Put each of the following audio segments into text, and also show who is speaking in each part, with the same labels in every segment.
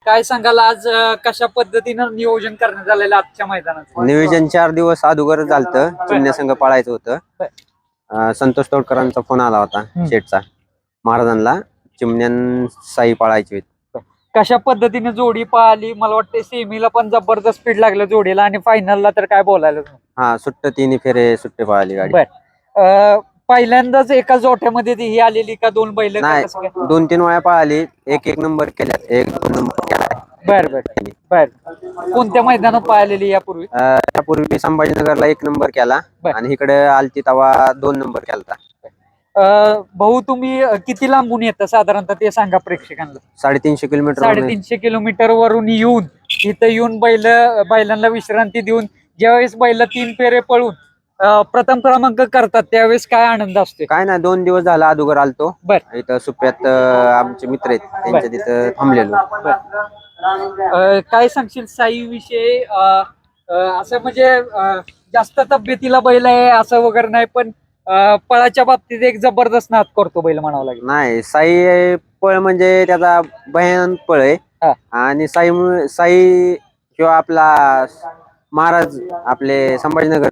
Speaker 1: काय सांगाल आज कशा पद्धतीनं नियोजन करण्यात आलेलं आजच्या मैदानात?
Speaker 2: नियोजन 4 दिवस अगोदर झालतं. चिमण्या संघ पळायचं होतं. संतोष तोडकरांचा फोन आला होता शेठचा महाराजांना. चिमण्यान साई पळायची होती.
Speaker 1: कशा पद्धतीने जोडी पळाली? मला वाटतं सेमीला पण जबरदस्त स्पीड लागलं जोडीला आणि फायनलला तर काय बोलायला
Speaker 2: हा, तिन्ही फेरे सुट्टे पळाली गाडी.
Speaker 1: बर, पहिल्यांदाच एका जोठ्यामध्ये ती ही आलेली का दोन बैल?
Speaker 2: नाही, 2-3 वेळा पळाली. एक नंबर केल्या, 1-2 नंबर केला.
Speaker 1: बर बर बर. कोणत्या मैदानात पाहिलेली यापूर्वी?
Speaker 2: त्यापूर्वी संभाजीनगरला 1 नंबर केला आणि इकडे आलती तवा 2 नंबर केला.
Speaker 1: भाऊ तुम्ही किती लांबून येतं साधारणतः ते सांगा प्रेक्षकांना.
Speaker 2: 350 किलोमीटर.
Speaker 1: 350 किलोमीटर वरून येऊन इथं येऊन बैलांना विश्रांती देऊन ज्यावेळेस बैल 3 फेरे पळून प्रथम क्रमांक करतात त्यावेळेस काय आनंद असतो?
Speaker 2: काय नाही, 2 दिवस झाला अगोदर आलतो.
Speaker 1: बर.
Speaker 2: इथं सुप्यात आमचे मित्र आहेत, त्यांच्या तिथं थांबलेलो.
Speaker 1: काय सांगशील साई विषयी? असं म्हणजे जास्त तब्येतीला बैल आहे असं वगैरे नाही, पण पळाच्या बाबतीत एक जबरदस्त नाद करतो बैल म्हणावं लागेल.
Speaker 2: नाही, साई पळ म्हणजे त्याचा भयानक पळ आहे. आणि साई किंवा आपला महाराज आपले संभाजीनगर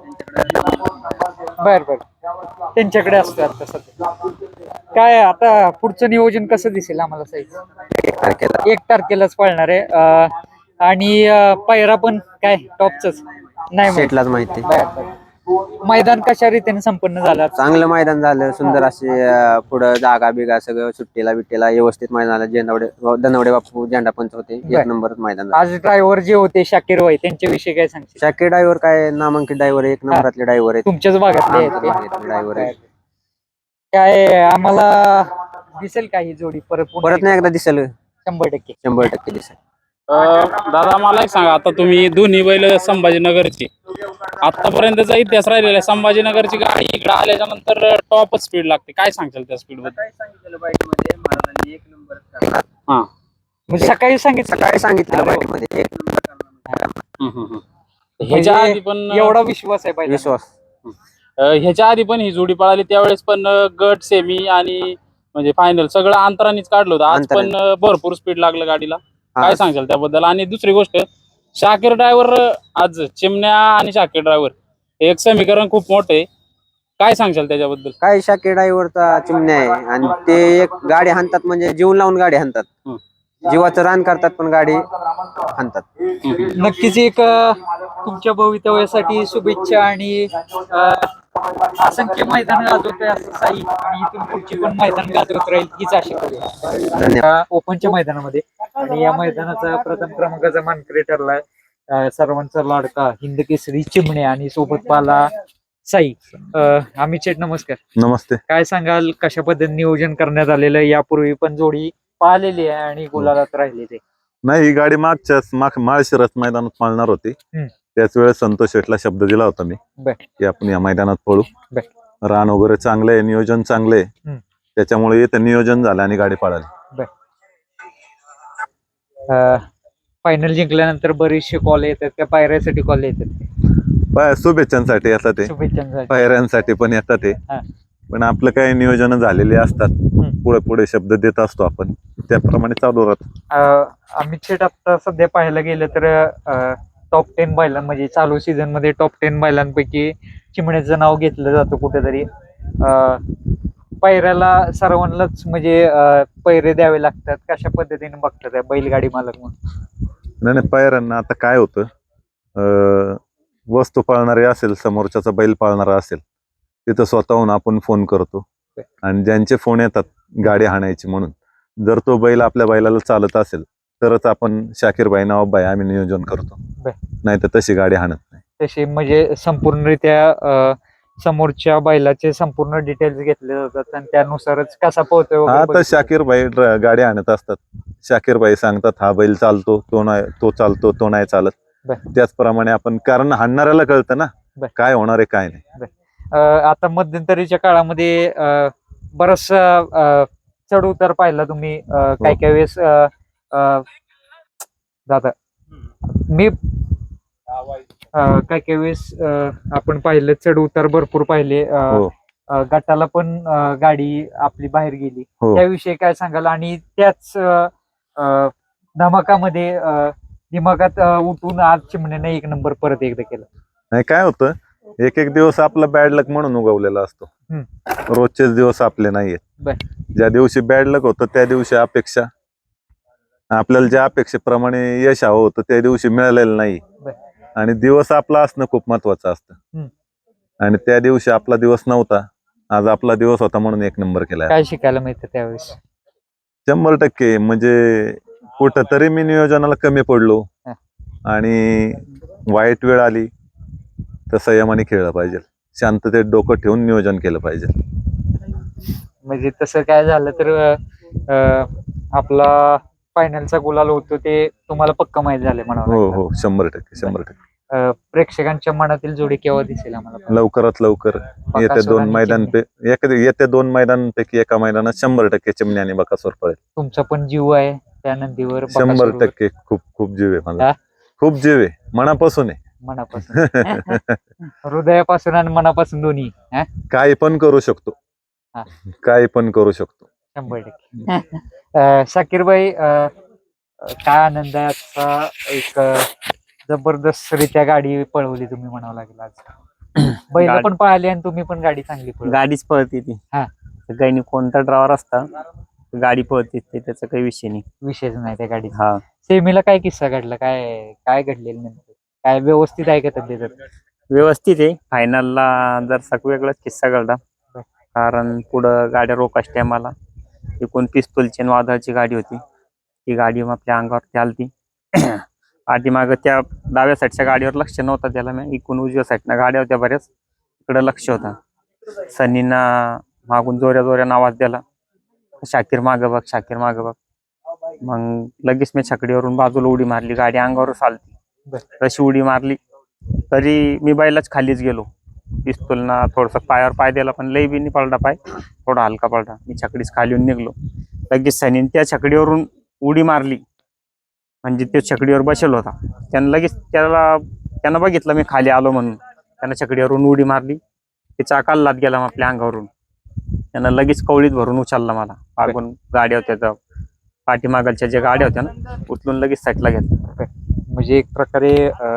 Speaker 1: बर बर त्यांच्याकडे असतं आता सध्या. काय आता पुढचं नियोजन कसं दिसेल आम्हाला? साई 1 तारखेलाच पळणार आहे आणि पायरा पण काय टॉपच नाही
Speaker 2: शेटलाच माहिती.
Speaker 1: मैदान कशा रीतीने संपन्न झालं?
Speaker 2: चांगलं मैदान झालं, सुंदर असे पुढं जागा बिगा सगळं सुट्टीला बिट्टीला व्यवस्थित मैदान झालं. दनवडे बापू झेंडा पंच होते, 1 नंबर मैदान झालं.
Speaker 1: आज ड्रायव्हर जे होते शाकीर भाई त्यांच्याविषयी काय सांगशील?
Speaker 2: शाकीर ड्रायव्हर काय नामांकित ड्रायव्हर, 1 नंबरातले ड्रायव्हर आहेत.
Speaker 1: तुमच्याच भागातले
Speaker 2: ड्रायव्हर आहे.
Speaker 1: काय आम्हाला दिसेल का ही जोडी परत
Speaker 2: नाही एकदा दिसेल?
Speaker 1: 100%
Speaker 2: दिसेल.
Speaker 3: दादा मला एक सांगा, आता तुम्ही दोन्ही बैल संभाजीनगरची, आतापर्यंतचा इतिहास राहिलेला आहे. संभाजीनगरची गाडी इकडे आल्याच्या नंतर टॉपच स्पीड लागते. काय सांगशाल त्या स्पीड बद्दल?
Speaker 2: महाराजांनी 1 नंबर.
Speaker 3: हा,
Speaker 1: सकाळी सांगितलं
Speaker 2: 1
Speaker 1: म्हणजे
Speaker 3: ह्याच्या आधी पण
Speaker 1: एवढा विश्वास आहे पाहिजे.
Speaker 2: विश्वास.
Speaker 3: ह्याच्या आधी पण ही जोडी पळाली, त्यावेळेस पण गट, सेमी आणि म्हणजे फायनल सगळं अंतरानेच काढलं होतं. आज पण भरपूर स्पीड लागलं गाडीला. काय सांगशाल त्याबद्दल? आणि दुसरी गोष्ट, शाकीर ड्रायव्हर, आज चिमण्या आणि शाकीर ड्रायव्हर एक समीकरण खूप मोठं आहे. काय सांगशाल त्याच्याबद्दल?
Speaker 2: काय शाकीर ड्रायव्हरचा चिमण्या आहे आणि ते एक गाडी हाणतात म्हणजे जीव लावून गाडी हाणतात. जीवाचं रान करतात पण गाडी हाणतात.
Speaker 1: नक्कीच एक तुमच्या भवितव्यासाठी शुभेच्छा आणि असंख्य मैदान गाजवतोय असं साई आणि इथून पुढची पण मैदान गाजवत राहील हीच आशा करूया ओपनच्या मैदानामध्ये. आणि या मैदानाचा प्रथम क्रमांकाचा मानकरी ठरलाय सर्वांचा लाडका हिंद केसरी चिमणे आणि सोबत पाला साई. अमित शेठ नमस्कार.
Speaker 4: नमस्ते.
Speaker 1: काय सांगाल कशा पद्धतीने नियोजन करण्यात आलेलं? यापूर्वी पण जोडी पाहिलेली आहे आणि गुलालात राहिलेली.
Speaker 4: नाही, ही गाडी माळशिरस मैदानात पाळणार होती. त्याच वेळेस संतोष शेठला शब्द दिला होता मी की आपण या मैदानात पळू. रान वगैरे चांगलं आहे, नियोजन चांगलं आहे, त्याच्यामुळे इथं नियोजन झालं आणि गाडी पळाली.
Speaker 1: फायनल जिंकल्यानंतर बरेचसे कॉल येतात त्या पायऱ्यासाठी कॉल येतात?
Speaker 4: शुभेच्छांसाठी येतात ते, पायऱ्यांसाठी पण येतात ते. पण आपलं काही नियोजन झालेले असतात, पुढे पुढे शब्द देत असतो आपण, त्याप्रमाणे चालू राहतो.
Speaker 1: अमित शेठ आता सध्या पाहायला गेलं तर टॉप 10 बैलां म्हणजे चालू सीझन मध्ये टॉप 10 बैलांपैकी चिमण्याचं नाव घेतलं जातं कुठेतरी. पैऱ्याला सर्वांनाच म्हणजे पैरे द्यावे लागतात. कशा पद्धतीने बघतात बैलगाडी मालक म्हणून?
Speaker 4: नाही, पायऱ्यांना आता काय होतं, वस्तू पाळणारे असेल, समोरच्याचा बैल पाळणारा असेल, तिथं स्वतःहून आपण फोन करतो आणि ज्यांचे फोन येतात गाडी हाणायची म्हणून, जर तो बैल आपल्या बैलाला चालत असेल तरच आपण शाकीर भाई नवाब भाई आम्ही नियोजन करतो, नाही तर तशी गाडी हाणत नाही.
Speaker 1: तशी म्हणजे संपूर्णरित्या समोरच्या बैलाचे संपूर्ण डिटेल्स घेतले जातात आणि त्यानुसारच कसा पोहतोय.
Speaker 4: आता शाकीर भाई गाडी आणत असतात, शाकीर भाई सांगतात हा बैल चालतो, तो नाही, तो चालतो, तो नाही चालत. त्याचप्रमाणे आपण, कारण हाणणाऱ्याला कळतं ना काय होणार आहे काय नाही.
Speaker 1: आता मध्यंतरीच्या काळामध्ये बराचसा चढ उतार पाहिला तुम्ही. काय काय वेळेस दादा मी काय काय वेळेस आपण पाहिलं चढ उतार भरपूर पाहिले. गटाला पण गाडी आपली बाहेर गेली, त्याविषयी काय सांगाल? आणि त्याच धमाकामध्ये दिमागात उठून आज चिमण्याने एक नंबर परत एकदा केला.
Speaker 4: नाही काय होतं, एक एक दिवस आपला बॅड लक म्हणून उगवलेला असतो. रोजचेच दिवस आपले नाहीयेत.
Speaker 1: बर.
Speaker 4: ज्या दिवशी बॅड लक होतं त्या दिवशी अपेक्षा, आपल्याला ज्या अपेक्षेप्रमाणे यश हवं होतं त्या दिवशी मिळालेलं नाही.
Speaker 1: बर.
Speaker 4: आणि दिवस आपला असणं खूप महत्वाचं असतं. आणि त्या दिवशी आपला दिवस नव्हता, आज आपला दिवस होता म्हणून एक नंबर केला.
Speaker 1: काय शिकायला मिळतं त्यावेळेस?
Speaker 4: 100% म्हणजे कुठंतरी मी नियोजनाला कमी पडलो आणि वाईट वेळ आली तर संयमाने खेळलं पाहिजे, शांततेत डोकं ठेवून नियोजन केलं पाहिजे.
Speaker 1: म्हणजे तसं काय झालं तर आपला फायनलचा गुलाल होतो ते तुम्हाला पक्का माहित झाले म्हणावं
Speaker 4: हो
Speaker 1: लागेल.
Speaker 4: हो 100%.
Speaker 1: प्रेक्षकांच्या मनातील जोडी केव्हा दिसेल आम्हाला?
Speaker 4: लवकरात लवकर येत्या दोन मैदानांपैकी एका मैदानात 100% चिमण्या आणि बकासूर पळेल.
Speaker 1: तुमचा पण जीव आहे त्या नंदीवर?
Speaker 4: 100% खूप खूप जीव आहे माझा, खूप जीव आहे, मनापासून आहे.
Speaker 1: मनापासून हृदयापासून आणि मनापासून दोन्ही.
Speaker 4: काही पण करू शकतो, काही पण करू शकतो.
Speaker 1: 100%. शाकीरभाई, काय आनंद आहे आजचा. एक जबरदस्त रित्या गाडी पळवली तुम्ही म्हणावं लागेल आज. बैल पण पळाली आणि तुम्ही पण गाडी चांगली पळवली.
Speaker 5: गाडीच पळते ती. काही कोणता ड्रायव्हर असता गाडी पळते ते, त्याचा काही विषय नाही.
Speaker 1: विषयच नाही त्या गाडीचा. सेमीला काय किस्सा घडला? काय काय घडलेलं नेमकं? काय व्यवस्थित आहे का तब्येत?
Speaker 5: व्यवस्थित आहे. फायनलला जर वेगळाच किस्सा घडला, कारण पुढं गाड्या रोकाच टायमाला एकूण पिस्तूलची वादळाची गाडी होती. ती गाडी आपल्या अंगावरती आलती. पाठीमागं त्या डाव्या साईडच्या गाडीवर लक्ष नव्हतं त्याला, मी एकूण उजव्या साईडनं गाड्या होत्या बऱ्याच, इकडं लक्ष होता. सनीना मागून जोऱ्या जोऱ्यानं आवाज दिला, शाकीर मागं बघ, शाकीर मागं बघ. मग लगेच मी छकडीवरून बाजूला उडी मारली, गाडी अंगावरच आलती. तशी उडी मारली तरी मी बैलाच खालीच गेलो. पिस्तूलना थोडस पायावर पाय दिला, पण लई बी नाही पडला पाय, थोडा हलका पडला. मी छकडीच खाली येऊन निघलो. लगेच सनीन त्या छकडीवरून उडी मारली, म्हणजे तो छकडीवर बसेल होता. त्यानं बघितलं मी खाली आलो म्हणून, त्यानं छकडीवरून उडी मारली. ते चाकाला लात गेला आपल्या अंगावरून. त्यानं लगेच कवळीत भरून उचलला मला. मागून गाड्या होत्या, पाठीमागच्या ज्या गाड्या होत्या ना, उचलून लगेच साईडला घेतला.
Speaker 1: म्हणजे एक प्रकारे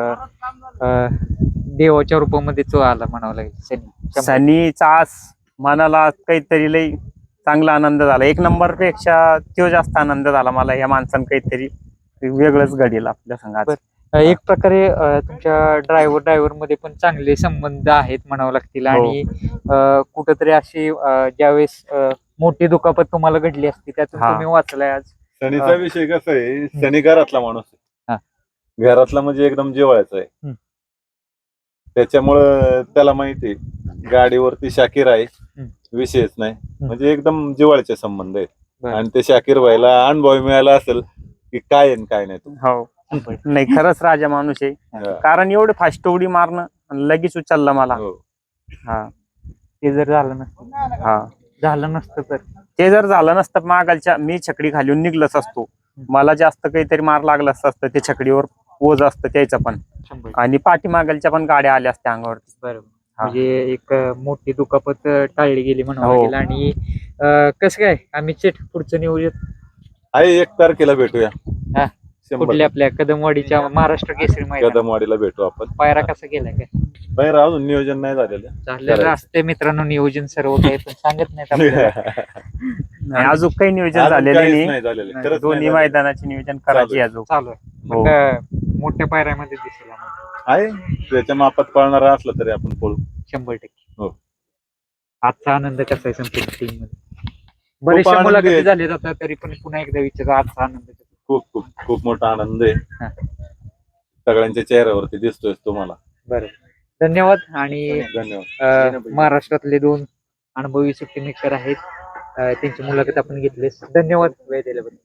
Speaker 1: देवाच्या रूपामध्ये तो आला म्हणावं लागेल.
Speaker 5: सनीचा आज मनाला काहीतरी लई चांगला आनंद झाला. एक नंबर पेक्षा तो जास्त आनंद झाला मला. या माणसानं काहीतरी वेगळंच घडेल आपल्या संघात.
Speaker 1: एक प्रकारे तुमच्या ड्रायव्हर मध्ये पण चांगले संबंध आहेत म्हणावं लागतील. आणि कुठंतरी अशी ज्यावेळेस मोठी दुखापत तुम्हाला घडली असती त्यातून तुम्ही वाचलाय आज.
Speaker 4: सनीचा विषय कसा आहे, सनी घरातला माणूस आहे, घरातला म्हणजे एकदम जिव्हाळ्याचा आहे. त्याच्यामुळं त्याला माहिती आहे गाडीवरती शाकीर आहे, विषयच नाही, म्हणजे एकदम जिव्हाळ्याचे संबंध आहेत. आणि ते शाकीर व्हायला अनुभव मिळाला असेल की काय आहे काय नाही.
Speaker 5: हो नाही, खरंच राजा माणूस आहे. कारण एवढे फास्ट उडी मारणं लगेच उचललं मला.
Speaker 1: ते जर झालं नसतं तर
Speaker 5: ते जर झालं नसतं मागालच्या मी छकडी खाली निघलच असतो. मला जास्त काहीतरी मार लागला असतं. ते छकडीवर ओझ असतं त्याचं पण, आणि पाठीमागलच्या पण गाड्या आल्या असत्या अंगावरती.
Speaker 1: बरोबर. म्हणजे एक मोठी दुखापत टाळली गेली म्हणावं लागेल. आणि कसं काय आम्ही पुढचं नियोजन
Speaker 4: आहे 1 तारखेला भेटूया.
Speaker 1: कुठल्या आपल्या कदमवाडीच्या महाराष्ट्र केसरी मैदान
Speaker 4: कदमवाडीला भेटू आपण.
Speaker 1: पायरा कसा केलाय काय?
Speaker 4: पायरा अजून नियोजन नाही
Speaker 1: झालेलं असते मित्रांनो, नियोजन सर्व काही पण सांगत नाहीत आपल्याला.
Speaker 5: अजून काही नियोजन झालेलं
Speaker 4: नाही.
Speaker 5: दोन्ही मैदानाचे नियोजन करायचे अजून
Speaker 1: चालू आहे. मोठ्या पायऱ्यामध्ये दिसेल
Speaker 4: आहे, त्याच्या मापात पळणारा असला तरी आपण पळू
Speaker 1: 100%. आजचा आनंद कसा आहे संपूर्ण टीम मध्ये? बरेचशा मुलाखती झाले जातात तरी पण पुन्हा एकदा विचार, आजचा आनंद
Speaker 4: खूप खूप खूप मोठा आनंद आहे. सगळ्यांच्या चेहऱ्यावरती दिसतोय तुम्हाला.
Speaker 1: बरं, धन्यवाद. आणि
Speaker 4: धन्यवाद.
Speaker 1: महाराष्ट्रातले 2 अनुभवी सुट्टी मेकर आहेत, त्यांची मुलाखत आपण घेतलीस. धन्यवाद वेळ दिल्याबद्दल.